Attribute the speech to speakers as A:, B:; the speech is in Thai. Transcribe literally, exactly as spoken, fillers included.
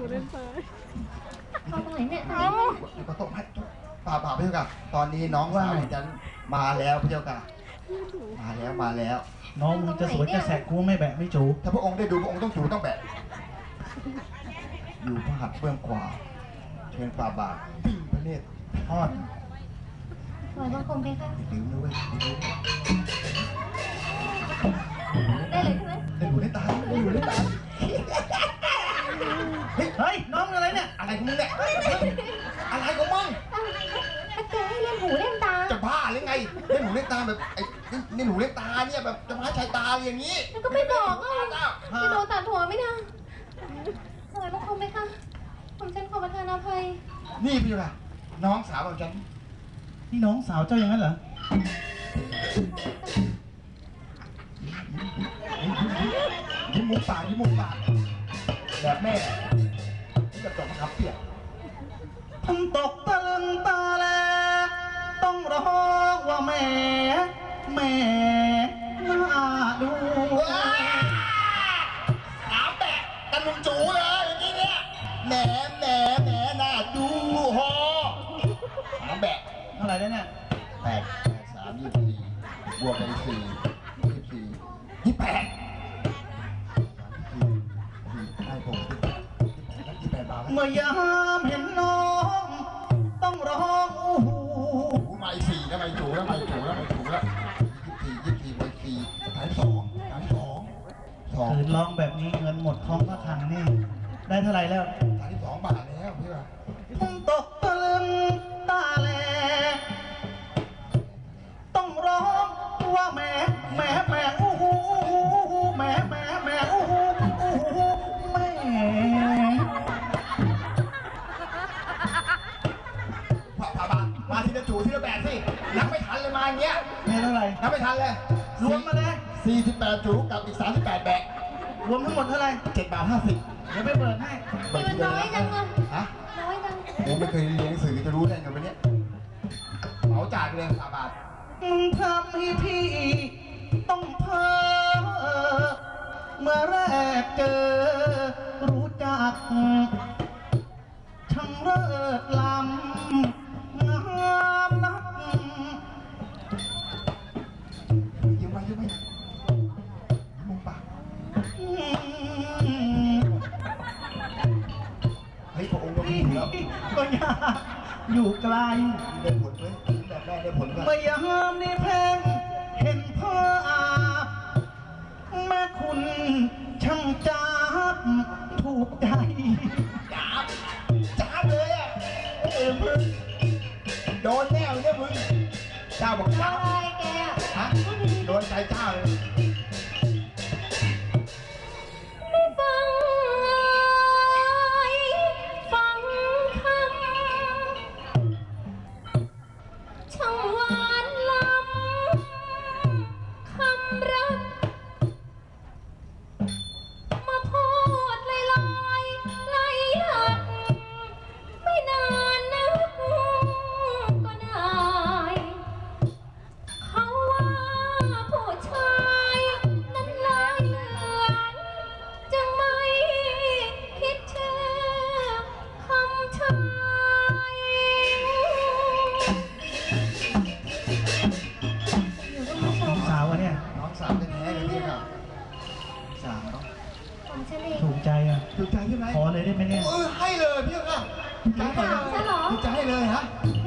A: เล่นซ้าย
B: เอาตรงไหนเนี่ยเอา
C: ก็ตกให้ป่าป่าพี่เจ้าค่ะตอนนี้น้องสาวฉันมาแล้วพี่เจ้าค่ะมาแล้วมาแล้ว
D: น้องมึงจะสวยจะแสกกูไม่แบะไม่จู
C: ถ้าพระองค์ได้ดูพระองค์ต้องจูต้องแบะอยู่พระหัตถ์เบื้องขวาเชิญป่าบาทปิ้งพระเนตรทอด
B: สวยมากคมเพคะ
C: ดื่มด้วย
B: ได้เลยใช่ไหม
C: ได้ดูได้ตาได้ดูได้ตา
D: เฮ้ยน้องอะไรเนี่ย
C: อะไรของมึงเนี่ยอะไรของมึง
B: แกให้เล่นหูเล่นตา
C: จะบ้าหรือไงเล่นหูเล่นตาแบบไอ้นี่หูเล่นตาเนี่ยแบบจะมาใช้ตาอย่างนี้
B: แล้วก็ไม่บอกอ่ะจะโดนตัดหัวไม่ได้สวยมากคมเพคะผมฉันขอประทานอภัย
C: นี่พี่ล่ะน้องสาวของฉัน
D: นี่น้องสาวเจ้าอย่างนั้นเหรอ
C: ยิ้มมุกปากยิ้มมุกปากแบบแม่จะตกมาขับเปียก
D: ทำตกตะลึงตาแลต้องร้องว่าแม่แม่น่าดู
C: ถามแบะตะลุงจูเลยอย่างนี้เนี่ยแหนแหนแหนน่าดูฮอถามแบะ
D: เท่าไหร่ได้เนี่ย
C: แปดแปดสามยี่สิบสี่บวกไปสี่ยี่สิบสี่ยี่สิบแปดได้ผมยี่สิบแปดบาท
D: เมื่อยามเห็นน้องต้องร้องอู้หู
C: ไม่สี่แล้วไม่จูแล้วไม่จูแล้วไม่จูแล้วยี่สิบสี่ยี่สิบสี่ไปสี่ฐานสองฐานสองสอง
D: คืนร้องแบบนี้เงินหมดท้องก็ทังนี่ได้เท่าไหร่แล้ว
C: ฐานที่สองบาทแล้วพี่ว่า
D: ผมตกตะลึงตาแลต้องร้องว่าแม่แม่แม่อู้หูแม่แม่แม่อู้หูอู้หูแม่
C: ผ่าผ่าบาทมาทีละจูทีละแปดสินับไม่ทันเลยมาอย่างเงี้ย
D: ไม่เท่าไหร่
C: นับไม่ทันเลย
D: รวมมาเลย
C: สี่สิบแปดจูกับอีกสามสิบแปดแบก
D: รวมทั้งหมดเท่าไหร่
C: เจ็ดบาทห้าสิบ
D: เดี๋ยวไปเปิดให้
B: มันน้อยจังเลย
C: ฮะ
B: น้อยจัง
C: ผมไม่เคยเรียนหนังสือจะรู้ได้ไงวันนี้เหมาจ่ายเลยสามบาท
D: มึงทำให้พี่ต้องเพ้อเมื่อแรกเจอรู้จักช่างเลิศล้ำงามนัก
C: ยิ้มไว้ยิ้มไว้มุมปากเฮ้ยพระองค์ก็มีแล้ว
D: ก็ยากอยู่ไกล
C: ได้ผลเลยแบบแม่ได้ผล
D: เมื่อยามในเพลงเห็นพ่ออาบแม่คุณช่างจับถูกใจ
C: จับจับเลยอ่ะเออมึงโดนแน่เนี่ยมึงเจ้าบอกจับ
B: อะไรแก
C: ฮะโดนใจเจ้าเลย
B: ไม่ฟังฟังคำช่างหวานล้ำคำรักมาพูดลอยลอยไหลหักไม่นานนักก็ได้เขาว่าผู้ชายนั้นลายเหลืองจึงไม่คิดเชื่อคำชาย
D: น้องสาวอะเนี่ย
C: น้องสาวแท้ๆเลยพี่ครับสาว
B: ผมฉันเอง
D: ถูกใจอ่ะ
C: ถูกใจใช่ไหม
D: ขอเลยได้ไหมเนี่ย
C: เออให้เลยพี่ครับถูกใจให้เลยถูกใจให้เลยฮะ